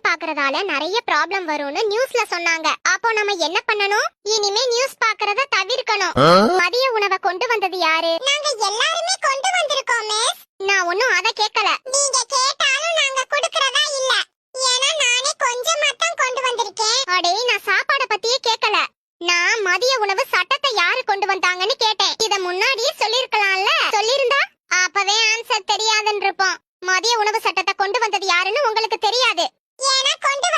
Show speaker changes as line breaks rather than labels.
பாக்குறதால நிறைய ப்ராப்ளம் வரும்னு நியூஸ்ல சொன்னாங்க. அப்போ நம்ம என்ன பண்ணணும்? இனிமே நியூஸ் பாக்குறத தவிர்க்கணும். மதிய உணவை கொண்டு வந்தது யாரு? நாங்க எல்லாருமே கொண்டு வந்திருக்கோம் மிஸ். நான் ஒண்ணும் அத கேக்கல. நீங்க கேட்டாலும் நாங்க குடுக்கறதா இல்ல. ஏன்னா நானே கொஞ்சம் மட்டும் கொண்டு வந்திருக்கேன். அடே நான் சாப்பாட பத்தியே கேக்கல. நான் மதிய உணவு சட்டத்தை யாரு கொண்டு வந்தாங்கன்னு கேட்டேன். இத முன்னாடியே சொல்லிருக்கலாம்ல. சொல்லிருந்தா அப்பவே ஆன்சர் தெரியாதுன்னு இருப்போம். மதிய உணவு சட்டத்தை கொண்டு வந்தது யாருன்னு உங்களுக்கு தெரியாது. ஏன்னா கொண்டு